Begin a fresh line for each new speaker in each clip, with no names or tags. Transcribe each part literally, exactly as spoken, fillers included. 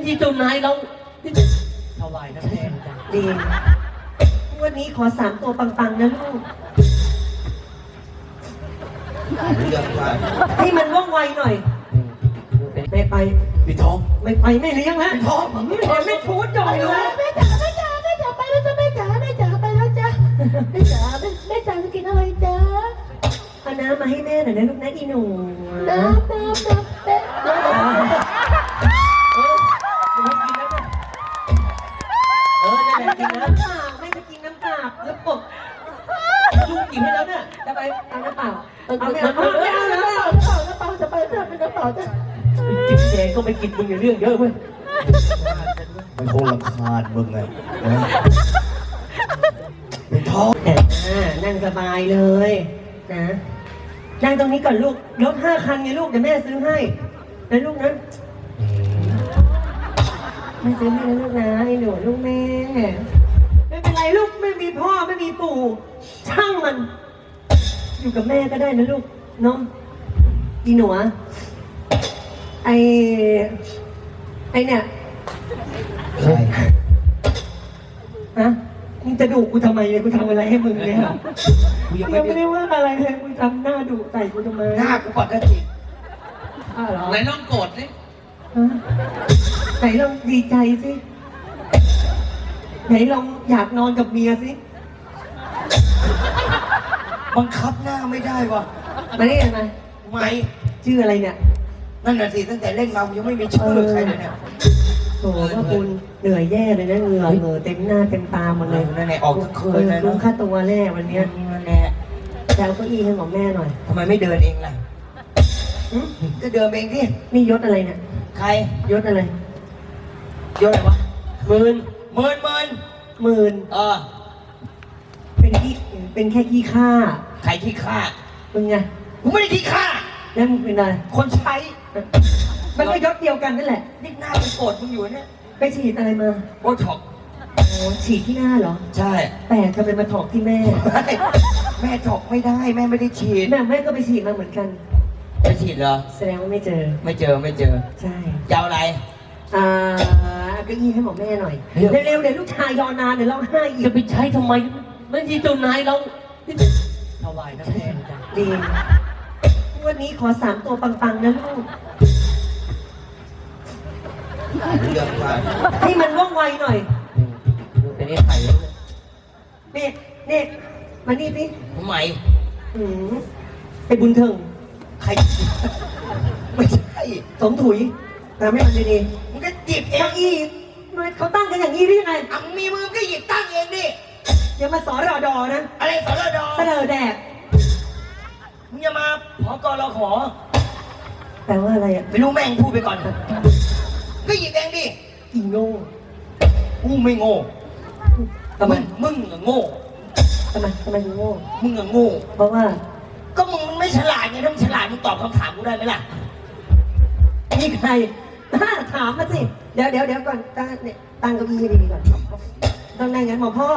ที่เจ้านายเราถวายน้ำแดงจ้ะ
ดีวันนี้ขอสามตัวปังๆนะลูก
เรื่องว่า
ให้มันว่องไวหน่อยไม่ไป
พี่ทอง
ไม่ไปไม่เลี้ยงนะ
พี่ทอง
ไม่ไปไม่พูดจ่อยเลย
แม่จ๋าแม่จ๋าแม่จ๋าไปแล้วจ้ะแม่จ๋าแม่จ๋าไปแล้วจ้ะแม่จ๋าแม่แม่จ๋าจะกินอะไรจ้า
เอาน้ำมาให้แม่หน่อยนะลูกนะอีหนู
น้ำน้ำน้ำแม่น้ำ
เออนั่นแหละกินน้ำเปล่าไม่จะกินน้ำเปล่าแล้วปกลูกกินให้แล้วเนี่ยจะไปเอาน้ำเปล่าเอาไม่เอาไม่เอาน้ำเปล่าน้ำเปล่าน้ำเปล่าจะไปจะไปน้ำเปล่าจะ
กินแดงก็ไม่กินมึงอย่าเรื่องเยอะเว้ย
มันคงรำคาญมึงไงพี่ทอง
นั่งสบายเลยนะนั่งตรงนี้ก่อนลูกรถห้าคันไงลูกเดี๋ยวแม่ซื้อให้นะลูกนะแม่ซื้อให้นะลูกนะไอ้หนูลูกแม่ไม่เป็นไรลูกไม่มีพ่อไม่มีปู่ช่างมันอยู่กับแม่ก็ได้นะลูกน้องอีหนูไอไอเนี่ย
ใช่
ฮะมึงจะดุกูทำไมเนี่ยกูทำอะไรให้มึงเนี่ยกูยังไม่ได้ว่าอะไรเลยมึงทำหน้าดุใส่กูทำไม
หน้ากูปกติ
อ้าวเหรอ
ไหนลองโกรธสิ
ไหนลองดีใจสิไหนลองอยากนอนกับเมียสิ
บังคับหน้าไม่ได้วะ
มาได้ยังไง
ไม่
ชื่ออะไรเนี่ย
นั่นน่ะสิตั้งแต่เล่นมายังไม่มีชื่อใครเลยเนี่ย
โอ้พ่อคุณเหนื่อยแย่เลยนะเหงื่อเหงื่อเต็มหน้าเต็มตาหมดเลย
นั่นแหละออกทั้งคืนเลย
ลุ้มค่าตัวแน่วันนี้
นั่นแหละ
แล้วก็อีให้หมอแม่หน่อย
ทำไมไม่เดินเองล่ะก็เดินเองดิ
นี่ยศอะไรเนี่ย
ใคร
ยศอะไร
ยศอะไรวะ
หมื่น
หมื่นหมื่น
หมื่น
เออ
เป็นขี้เป็นแค่ขี้ข้า
ใครขี้ข้า
มึงไง
กูไม่ได้ขี้ข้า
แล้วมึงเป็นอะไร
คนใช้
มันก็ยศเดียวกันนั่นแหละ
นี่หน้าเป็นโกรธมึงอยู่เนี่ย
ไปฉีดอะไรมา
โบท็อก
โอ้ฉีดที่หน้าเหรอ
ใช่
แต่ทำไมมาถอกที่แม่
แม่ถอกไม่ได้แม่ไม่ได้ฉีด
แม่แม่ก็ไปฉีดมาเหมือนกัน
ไปฉีดเหรอ
แสดงว่าไม่เจอ
ไม่เจอไม่เจอ
ใช่
ยาวอะไร
อ่าก็ยี่ให้หมอแม่หน่อยเร็วๆเดี๋ยวลูกชายยอนานเดี๋ยวร้องไห้อีก
จะไปใช้ทำไมไม่ที่เจ้านายเราถวายน้ำแดงจ้ะ
ดีวันนี้ขอสามตัวปังๆนะลูก
เรื่องว่า
ให้มันว่องไวหน่อย
เป็นไอ้ไข่เลย
เน็ตเน็ตมานี่สิ
ทำไม
อืมไอ้บุญเถิง
ใครไม่ใช่
สมถุยแต่ไม่มันดี
ๆมึงก็หยิบเอง
อีเขาตั้งกันอย่างนี้ได้ยังไง
อ่ะมีมือก็หยิบตั้งเองดิ
อย่ามาสอนรอดอนะ
อะไรสอนรอดอ
เสนอแดก
มึงอย่ามาขอกรอขอ
แปลว่าอะไรอ่ะ
ไม่รู้แม่งพูดไปก่อนก็หยิบเองดิ
อีโง่
กูไม่โง่
ทำไม
มึงอะโง่
ทำไมทำไมมึงโง่
มึงอะโง่
เพราะว่า
ก็มึงไม่ฉลาดไงถ้ามึงฉลาดมึงตอบคำถามกูได้ไหมล่ะ
นี่ใครถามมาสิเดี๋ยวเดี๋ยวเดี๋ยวก่อนตั้งเนี่ยตั้งเก้าอี้ให้ดีๆก่อนต้องนั่งงั้นหมอพ่อ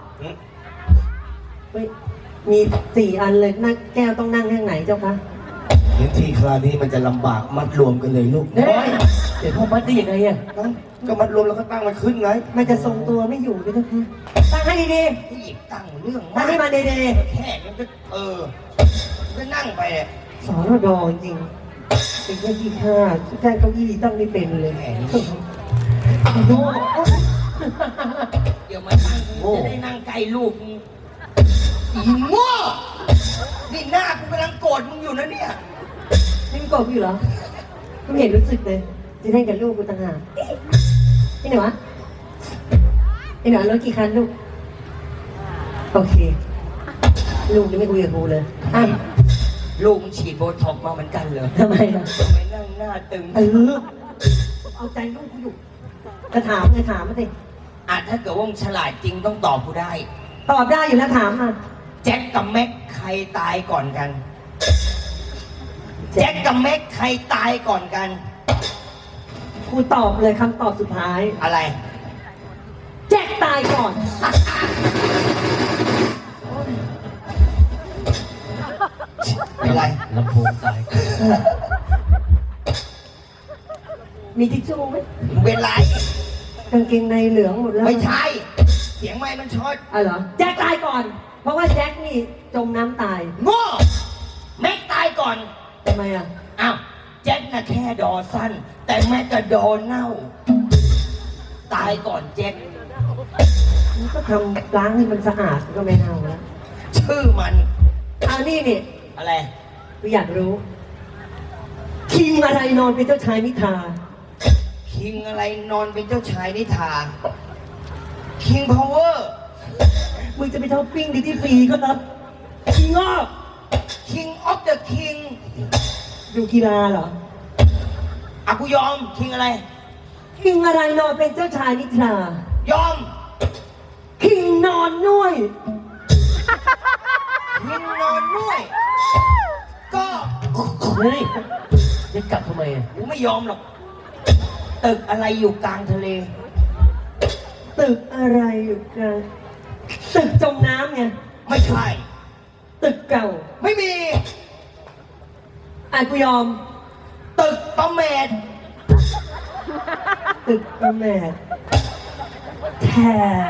เฮ้ยมีสี่อันเลยนั่งแก้วต้องนั่งข้างไหนเจ้าคะ
เดี๋ยวทีคราวนี้มันจะลำบากมัดรวมกันเลยลูก
เฮ้ยเดี๋ยวพ่อมัดได้ยังไงอ่ะ
ก็มัดรวมแล้วก็ตั้งมันขึ้นไง
มันจะทรงตัวไม่อยู่ด้วยเจ้าคะตั้งให้ดี
ๆหยิบตั้งเรื่อง
ตั้งให้มันดี
ๆแค่นี้ก็เออก็นั่งไปเนี่ย
สอนรอดอจริงเป็นแค่ที่ข้าแค่เก้าอี้ตั้งไม่เป็นเลยแหมโง่
เดี๋ยวมาตั้งจะได้นั่งใกล้ลูกอีโง่นี่หน้ากูกำลังโกรธมึงอยู่นะเนี่ย
นี่มึงโกรธอยู่เหรอกูเห็นรู้สึกเลยจะได้กับลูกกูต่างหากไอ้หนูวะไอ้หนูรถกี่คันลูกโอเคลูกยังไม่คุยกับกูเลยอ่ะ
ลูกฉีดโบท็อกมาเหมือนกันเลย
ทำไมล่ะ
ทำไมนั่งหน้าตึง
เออเอาใจลูกกูอยู่จะถามไงถามมาสิ
อ่ะถ้าเกิดว่ามึงฉลาดจริงต้องตอบกูได้
ตอบได้อยู่แล้วถามมา
แจ็คกับแม็กใครตายก่อนกันแจ็คกับแม็กใครตายก่อนกัน
กูตอบเลยคำตอบสุดท้าย
อะไร
แจ็คตายก่อน
เป็นไร
ลำโพงตาย
มีทิชชู่ไหม
เป็นไร
กางเกงในเหลืองหมดแล้ว
ไม่ใช่ เสียงไม่มันช็อต
อ๋อเหรอแจ็คตายก่อน เพราะว่าแจ็คนี่จมน้ำตาย
โง่แม็กตายก่อน
ทำไมอ่ะ
อ้าวแจ็คน่ะแค่ดอสั้น แต่แม็กก็ดอเน่า ตายก่อนแจ็ค
มันก็ทำล้างให้มันสะอาดมันก็ไม่เน่าแล้ว
ชื่อมัน
เอานี่นี่
อะไร
กูอยากรู้คิงอะไรนอนเป็นเจ้าชายนิทรา
คิงอะไรนอนเป็นเจ้าชายนิทราคิงพาวเวอร์
มึงจะไปช้อปปิ้งดิที่ฟรีก็รับคิงออฟ
คิงออฟเดอะคิง
ดูกีฬาเหรอ
อ่ะกูยอมคิงอะไร
คิงอะไรนอนเป็นเจ้าชายนิทราย
อม
คิงนอนนุ่ย
คิงนอนด้วย ก็
เฮ้ยจะกลับทำไมอ่ะ
กูไม่ยอมหรอก ตึกอะไรอยู่กลางทะเล
ตึกอะไรอยู่กันตึกจมน้ำไง
ไม่ใช่
ตึกเก่า
ไม่มี
อ่ะกูยอม
ตึกประเมด
ตึกประแมทแท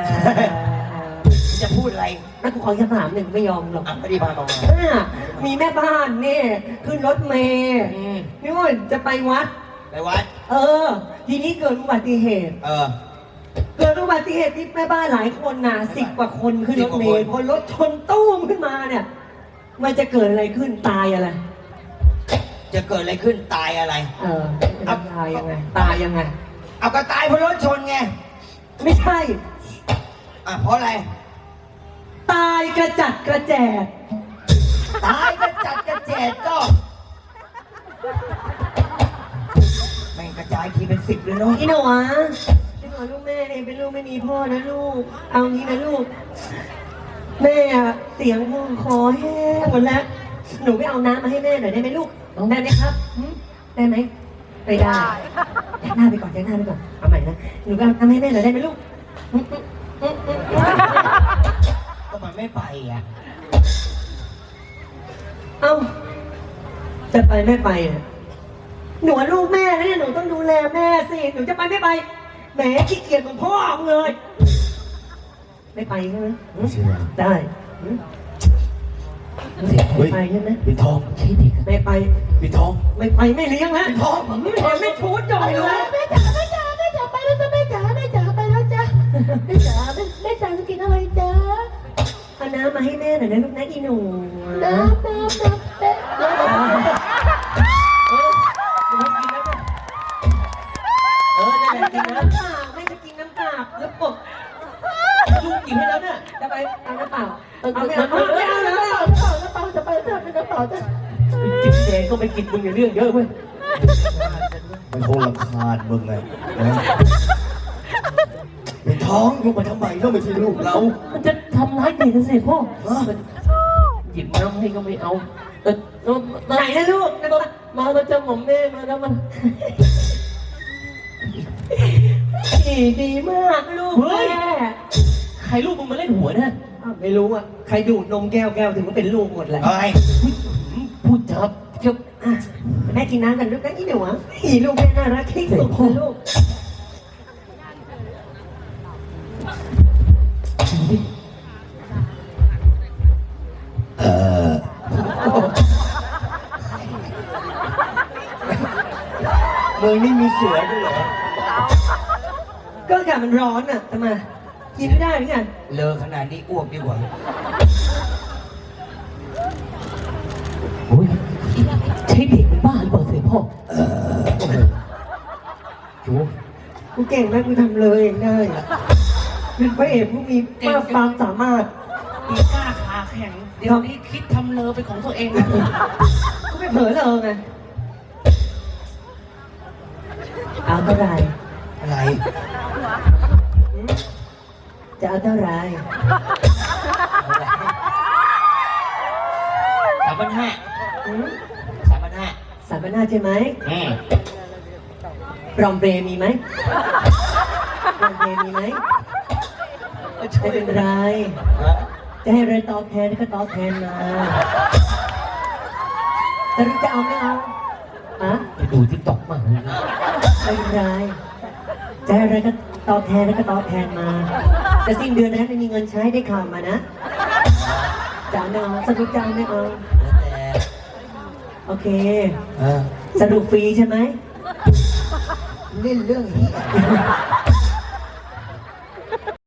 จะพูดอะไร
แล้วกูขอคำถามหนึ่งไม่ยอมหรอก
อ่ะไม่ได้พามา
อ่ะมีแม่บ้านเนี่ยขึ้นรถเมย์
อืม
นี่ว่าจะไปวัด
ไปวัด
เออ ทีนี้เกิดอุบัติเหตุ
เออ
เกิดอุบัติเหตุที่แม่บ้านหลายคนนะสิบกว่าคนขึ้นรถเมล์
สิบกว่าคน
พอรถชนตู้มขึ้นมาเนี่ย มันจะเกิดอะไรขึ้นตายอะไร
จะเกิดอะไรขึ้นตายอะไร
เออตายยังไง ตายยังไง
เอาก็ตายเพราะรถชนไง
ไม่ใช่
อ่ะเพราะอะไร
ตายกระจัดกระแจด
ตายกระจัดกระแจดก็แม่งกระจายทีเป็นสิบเลยเนาะ
อีหนูอ่ะอีหนูลูกแม่เนี่ยเป็นลูกไม่มีพ่อนะลูก เอางี้นะลูก แม่อะเสียงคอแห้งหมดแล้ว หนูไปเอาน้ำมาให้แม่หน่อยได้ไหมลูก ได้ไหมครับหึได้ไหมไม่ได้แจ้งหน้าไปก่อนแจ้งหน้าไปก่อน เอาใหม่นะ หนูไปเอาน้ำให้แม่หน่อยได้ไหมลูกหึหึหึหึ
ก็มันไม่ไปอ่ะ
เอ้า จะไปไม่ไปอ่ะหนูลูกแม่นะเนี่ยหนูต้องดูแลแม่สิ หนูจะไปไม่ไป แหมขี้เกียจเหมือนพ่อมึงเลย ไม่ไปใช่ไหมหึได้หึไม่ไปใช่ไหม
ปิดทอง
ไม่ไป
ปิดทอง
ไม่ไปไม่เลี้ยงนะพ่อไม่เห็นไม่ชูดจ่อยเลย
แม่จ๋าแม่จ๋าแม่จ๋าไปแล้วจ้ะแม่จ๋าแม่จ๋าไปแล้วจ้ะแม่จ๋าแม่แม่จ๋าจะกินอะไรจ๊ะ
เอาน้ำมาให้แม่หน่อยนะลูกนะอีหนู
น้ำน้ำน้ำแม่น้ำ
เออนั่นแหละ
กิ
กิ
น
น
น้ำ
น้ำ
เปล่าแม่จะกินน้ำเปล่าแล้วปก
ลูกกินให้แล้วเนี่ย
จะไปเอาน้ำเปล่า
เอา
เอา
ไม่
ไม่
เอา
เอา
ไม่
ไม่
เอา
เอา
ไม่
แล้ว
เอา
น้ำเปล่าน้ำเปล่าจะไปจ้ะเป็นน้ำเปล่าจ้ะ
จิบแดงก็ไม่กินมึงอย่าเรื่องเยอะเว้ย
มันคงรำคาญมึงไงนะปิดทองลูกมาทำไมก็ไม่ใช่ลูกเรา
มันจะทำร้ายเด็กนะสิพ่อ
ฮะ
หยิบน้ำให้ก็ไม่เอาเออเออ
ไหนนะลูกน้ำเปล่า
มาแล้วจะหม่อมแม่มาแล้วมัน
ดีดีมากลูก
เฮ้ย
แม่
ใครลูกมึงมาเล่นหัวเนี่ย
อ้าวไม่รู้อ่ะใครดูดนมแก้วแก้วถึงมันเป็นลูกหมดแหละ
เฮ้ย
พูดจับเจ้า
อ่ะแม่กินน้ำกันลูกนะอีหนูอ่ะอีลูกแม่น่ารักที่สุดเลยลูก
เออ
มึงนี่มีเสือด้วยเหรอ
ก็อากาศมันร้อนอ่ะทำไมกินไม่ได้หรือไง
เลอขนาดนี้อ้วกดีกว่า
โอ้ยใช่เด็กเป็นบ้าหรือเปล่าเสยพ่อเออโอ้โหโย
กูเก่งนะกูทำเลยเองได้เป็นพระเอกผู้มีมากความสามารถ
มีกล้าขาแข็ง เดี๋ยวนี้คิดทำเลอเป็นของตัวเองนะ
กูไม่เผลอเลยไงเอาเท่าไหร
อะไร
จะเอาเท่าไหร
สามพันห้า
อืม
สามพันห้า
สามพันห้าใช่ไหม
อืม
ปรอมเบรมีไหมปรอมเบรมีไหมไม่เป็นไร จะให้อะไรตอบแทนก็ตอบแทนมาแต่รู้จะเอาไม่เอาอะ
ไปดูทิกตอกมา
ไม่เป็นไรจะให้อะไรก็ตอบแทนแล้วก็ตอบแทนมาแต่สิ้นเดือนนะไม่มีเงินใช้ได้ข่าวมานะจ่ายไม่เอาสรุปจ่ายไม่เอา
แล้วแต่
โอเค
เออ
สรุปฟรีใช่ไหม
เล่นเรื่องนี้